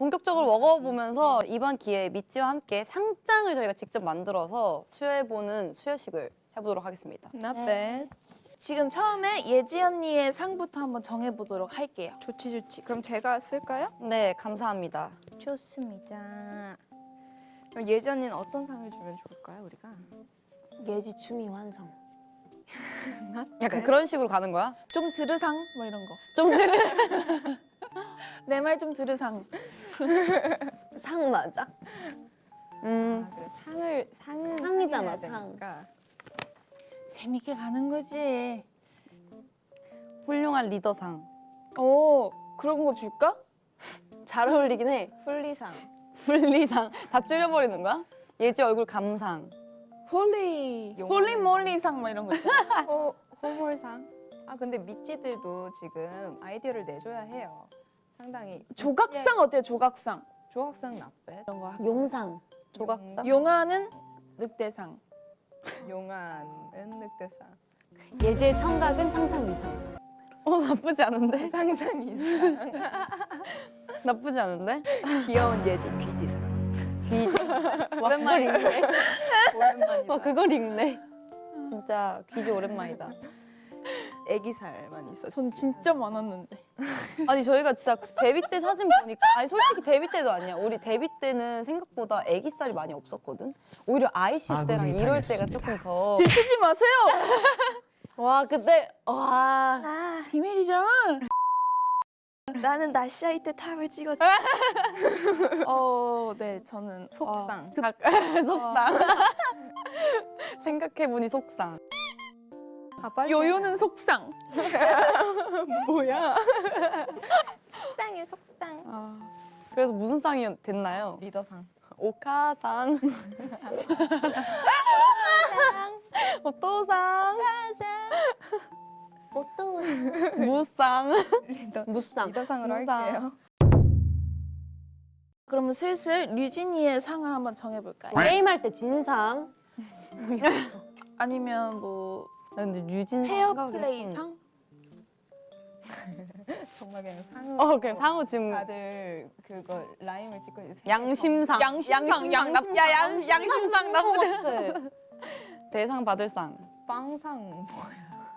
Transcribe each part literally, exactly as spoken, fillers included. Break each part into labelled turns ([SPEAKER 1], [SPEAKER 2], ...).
[SPEAKER 1] 본격적으로 먹어보면서 이번 기회에 미찌와 함께 상장을 저희가 직접 만들어서 수여해보는 수여식을 해보도록 하겠습니다.
[SPEAKER 2] Not bad.
[SPEAKER 3] 지금 처음에 예지 언니의 상부터 한번 정해보도록 할게요.
[SPEAKER 2] 좋지 좋지. 그럼 제가 쓸까요?
[SPEAKER 1] 네, 감사합니다.
[SPEAKER 2] 좋습니다. 그럼 예전에는 어떤 상을 주면 좋을까요, 우리가?
[SPEAKER 4] 예지 춤이 완성.
[SPEAKER 1] 약간 그런 식으로 가는 거야?
[SPEAKER 3] 좀 들으상 뭐 이런 거.
[SPEAKER 1] 좀 지르.
[SPEAKER 3] 내 말 좀 들으상.
[SPEAKER 4] 상 맞아?
[SPEAKER 1] 음,
[SPEAKER 2] 아, 그래 상을 상은
[SPEAKER 4] 상이잖아,
[SPEAKER 2] 해야
[SPEAKER 4] 상.
[SPEAKER 2] 되니까.
[SPEAKER 3] 재밌게 가는 거지.
[SPEAKER 1] 훌륭한 리더상.
[SPEAKER 3] 오, 그런 거 줄까?
[SPEAKER 4] 잘 어울리긴 해.
[SPEAKER 2] 풀리상.
[SPEAKER 1] 분리상. 다 줄여버리는 거야? 예지 얼굴 감상.
[SPEAKER 3] 홀리,
[SPEAKER 2] 용어.
[SPEAKER 3] 홀리몰리상 뭐 이런 거 있잖아.
[SPEAKER 2] 호 호몰상. 아 근데 미찌들도 지금 아이디어를 내줘야 해요. 상당히
[SPEAKER 3] 조각상 어때요? 조각상
[SPEAKER 2] 조각상 나빼.
[SPEAKER 3] 이런 거.
[SPEAKER 4] 용상.
[SPEAKER 1] 조각상?
[SPEAKER 3] 용화는 늑대상.
[SPEAKER 2] 용안은 늑대상.
[SPEAKER 4] 예지의 청각은 상상 이상.
[SPEAKER 1] 어, 나쁘지 않은데?
[SPEAKER 2] 상상 이상.
[SPEAKER 1] 나쁘지 않은데?
[SPEAKER 2] 귀여운 예지 귀지상.
[SPEAKER 1] 귀지.
[SPEAKER 4] 와, 그걸 읽네.
[SPEAKER 2] 오랜만이다.
[SPEAKER 4] 와, 그걸 읽네.
[SPEAKER 1] 진짜 귀지 오랜만이다.
[SPEAKER 2] 애기살만 있어.
[SPEAKER 3] 전 진짜 많았는데.
[SPEAKER 1] 아니 저희가 진짜 데뷔 때 사진 보니까 아니 솔직히 데뷔 때도 아니야. 우리 데뷔 때는 생각보다 애기살이 많이 없었거든. 오히려 아이씨 때랑
[SPEAKER 5] 아군이
[SPEAKER 1] 이럴 때가
[SPEAKER 5] 당했습니다.
[SPEAKER 1] 조금 더
[SPEAKER 3] 들키지 마세요.
[SPEAKER 4] 와, 그때, 와.
[SPEAKER 2] 아,
[SPEAKER 3] 비밀이잖아.
[SPEAKER 2] 나는 나시아이 때 탑을 찍었지.
[SPEAKER 3] 어, 네, 저는
[SPEAKER 2] 속상.
[SPEAKER 1] 각- 속상. 생각해보니 속상.
[SPEAKER 2] 아,
[SPEAKER 3] 어,
[SPEAKER 2] 빨리
[SPEAKER 3] 요요는 속상.
[SPEAKER 2] 뭐야? 속상해 속상.
[SPEAKER 1] 아, 그래서 무슨 상이 됐나요?
[SPEAKER 2] 리더상.
[SPEAKER 1] 오카상. 오토상.
[SPEAKER 4] 어떤
[SPEAKER 1] 무상.
[SPEAKER 2] 리더
[SPEAKER 4] 무쌍.
[SPEAKER 2] 리더상으로
[SPEAKER 1] 무상.
[SPEAKER 2] 할게요.
[SPEAKER 3] 그러면 슬슬 류진이의 상을 한번 정해볼까요?
[SPEAKER 4] 게임할 때 진상.
[SPEAKER 3] 아니면 뭐
[SPEAKER 1] 나 근데 유진
[SPEAKER 3] 페어플레이 상?
[SPEAKER 2] 정말 그냥 상으로.
[SPEAKER 1] 어, 그냥 상호 지금
[SPEAKER 2] 다들 그거 라임을 찍고 있어요.
[SPEAKER 1] 양심상.
[SPEAKER 3] 양심상,
[SPEAKER 1] 양심상. 나- 야, 양, 양심상 나쁘지.
[SPEAKER 4] 네.
[SPEAKER 1] 대상 받을 상.
[SPEAKER 2] 빵상 뭐야?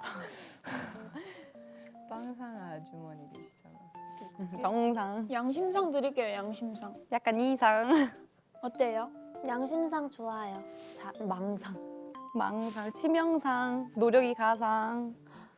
[SPEAKER 2] 빵상 아주머니들이시잖아.
[SPEAKER 1] 정상.
[SPEAKER 3] 양심상 드릴게요. 양심상.
[SPEAKER 1] 약간 이상.
[SPEAKER 3] 어때요?
[SPEAKER 4] 양심상 좋아요. 자, 망상.
[SPEAKER 1] 망상, 치명상, 노력이 가상.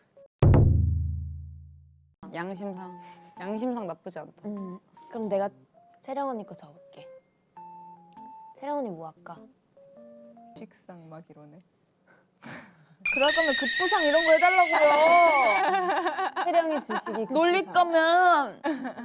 [SPEAKER 1] 양심상. 양심상 나쁘지 않다.
[SPEAKER 4] 음, 그럼 내가 채령 언니 거 적을게. 채령 언니 뭐 할까?
[SPEAKER 2] 식상 막 이러네.
[SPEAKER 3] 그럴 거면 급부상 이런 거 해달라고요.
[SPEAKER 4] 채령이 주식이
[SPEAKER 3] 놀릴
[SPEAKER 4] 급부상.
[SPEAKER 3] 거면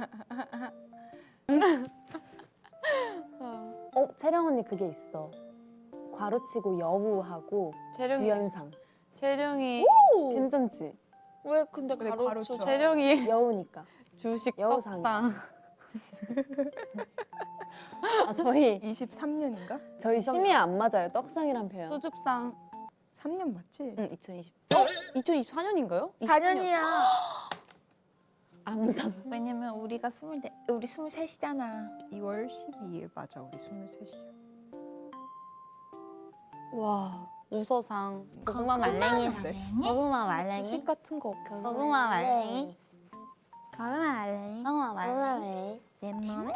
[SPEAKER 4] 어, 채령 언니 그게 있어. 괄호치고 여우하고
[SPEAKER 1] 재령이,
[SPEAKER 4] 유연상.
[SPEAKER 1] 재령이,
[SPEAKER 4] 괜찮지?
[SPEAKER 3] 왜 근데
[SPEAKER 2] 근데
[SPEAKER 3] 가로쳐?
[SPEAKER 2] 가로쳐.
[SPEAKER 1] 재령이
[SPEAKER 4] 여우니까.
[SPEAKER 1] 주식
[SPEAKER 4] 여우상.
[SPEAKER 1] 떡상.
[SPEAKER 4] 아, 저희
[SPEAKER 2] 이십삼 년인가?
[SPEAKER 4] 저희 심의에 안 맞아요. 떡상이란 표현.
[SPEAKER 1] 수줍상.
[SPEAKER 2] 삼 년 맞지?
[SPEAKER 1] 응, 이천이십. 어? 이천이십사 년인가요?
[SPEAKER 3] 사 년이야.
[SPEAKER 4] 앙상.
[SPEAKER 3] 왜냐면 우리가 스물네, 우리 스물셋이잖아.
[SPEAKER 2] 이월 십이일 맞아. 우리 스물셋이야.
[SPEAKER 1] 와, 우서상.
[SPEAKER 4] 고구마 말랭이상. 고구마 말랭이.
[SPEAKER 3] 주식 같은 거 없어.
[SPEAKER 4] 고구마 말랭이.
[SPEAKER 2] 가만 알래.
[SPEAKER 4] 고구마 말랭이.
[SPEAKER 2] 내 몸에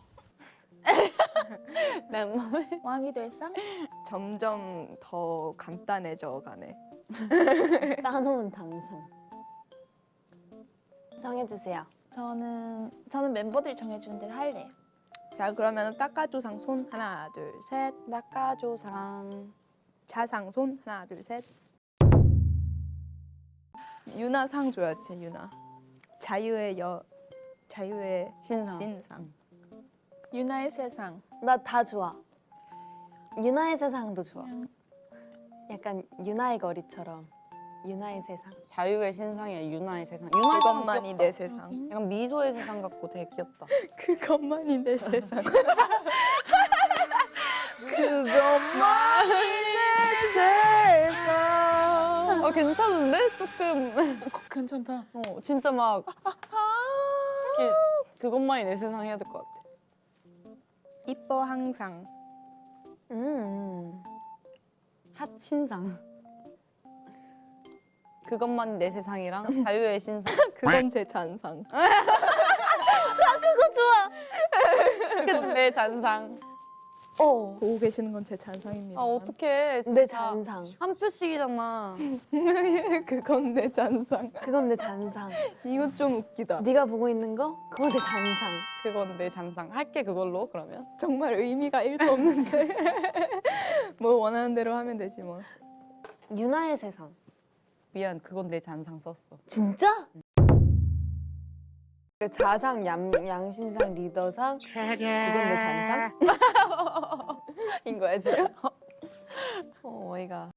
[SPEAKER 1] 내 몸에.
[SPEAKER 3] 왕이 될 상?
[SPEAKER 2] 점점 더 간단해져 가네.
[SPEAKER 4] 따놓은 당상. 정해주세요.
[SPEAKER 3] 저는 저는 멤버들이 정해주는 대로 할래요.
[SPEAKER 2] 자 그러면 닦아조상 손 하나 둘 셋.
[SPEAKER 1] 낙가조상.
[SPEAKER 2] 자상 손 하나 둘 셋. 유나 상 줘야지 유나. 자유의 여 자유의
[SPEAKER 1] 신상.
[SPEAKER 2] 신상.
[SPEAKER 3] 유나의 세상.
[SPEAKER 4] 나 다 좋아. 유나의 세상도 좋아. 약간 유나의 거리처럼. 유나의 세상.
[SPEAKER 1] 자유의 신상이야, 유나의 세상. 유나의
[SPEAKER 2] 그것만이
[SPEAKER 1] 세상
[SPEAKER 2] 내
[SPEAKER 1] 귀엽다.
[SPEAKER 2] 세상.
[SPEAKER 1] 약간 미소의 세상 같고 되게 귀엽다.
[SPEAKER 2] 그것만이 내 세상.
[SPEAKER 1] 그것만이 내 세상. 어, 괜찮은데? 조금.
[SPEAKER 3] 어, 괜찮다.
[SPEAKER 1] 어, 진짜 막. 이렇게 그것만이 내 세상 해야 될 것 같아.
[SPEAKER 2] 이뻐 항상.
[SPEAKER 4] 음.
[SPEAKER 1] 핫신상. 그것만 내 세상이랑 자유의 신상.
[SPEAKER 2] 그건 제 잔상.
[SPEAKER 4] 그거 좋아.
[SPEAKER 1] 그건 내 잔상.
[SPEAKER 4] 어.
[SPEAKER 2] 보고 계시는 건 제 잔상입니다.
[SPEAKER 1] 아 어떡해. 진짜.
[SPEAKER 4] 내 잔상.
[SPEAKER 1] 한 표씩이잖아.
[SPEAKER 2] 그건 내 잔상.
[SPEAKER 4] 그건 내 잔상.
[SPEAKER 2] 이거 좀 웃기다.
[SPEAKER 4] 네가 보고 있는 거? 그거 내 잔상.
[SPEAKER 1] 그건 내 잔상. 할게 그걸로 그러면.
[SPEAKER 2] 정말 의미가 일도 없는데. 뭐 원하는 대로 하면 되지 뭐.
[SPEAKER 4] 유나의 세상.
[SPEAKER 1] 미안. 그건 내 잔상 썼어.
[SPEAKER 4] 진짜? 그 자상, 양, 양심상, 리더상, 그건 내 잔상? 인 거야 지금? 어, 어이가.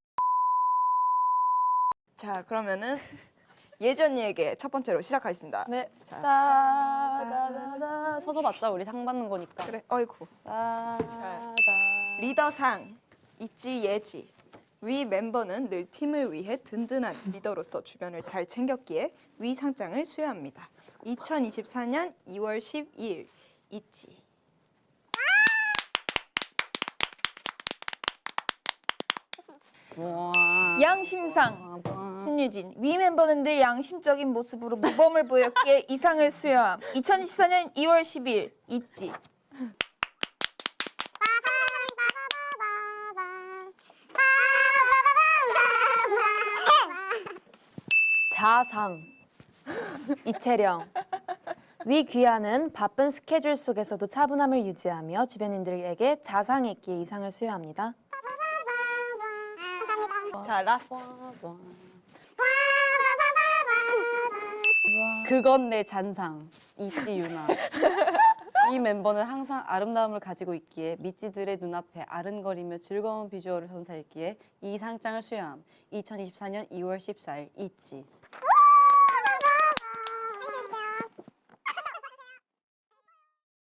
[SPEAKER 2] 자 그러면은 예지 언니에게 첫 번째로 시작하겠습니다.
[SPEAKER 1] 네.
[SPEAKER 2] 자,
[SPEAKER 1] 따다다다 서서 받자. 우리 상 받는 거니까.
[SPEAKER 2] 그래. 어이쿠.
[SPEAKER 1] 따다.
[SPEAKER 2] 리더상 있지 예지. 위 멤버는 늘 팀을 위해 든든한 리더로서 주변을 잘 챙겼기에 위 상장을 수여합니다. 이천이십사 년 이월 십이일 있지.
[SPEAKER 1] 와.
[SPEAKER 3] 양심상
[SPEAKER 1] 와.
[SPEAKER 3] 신유진 위 멤버는 늘 양심적인 모습으로 모범을 보였기에 이 상을 수여함. 이천이십사 년 이월 십일 있지.
[SPEAKER 4] 자상. 이채령. 위 귀하는 바쁜 스케줄 속에서도 차분함을 유지하며 주변인들에게 자상에 있기에 이 상을 수여합니다.
[SPEAKER 2] 자 라스트.
[SPEAKER 1] 그건 내 잔상. 이지 유나. 이 멤버는 항상 아름다움을 가지고 있기에 미찌들의 눈앞에 아른거리며 즐거운 비주얼을 선사했기에 이 상장을 수여함. 이천이십사 년 이월 십사일 있지.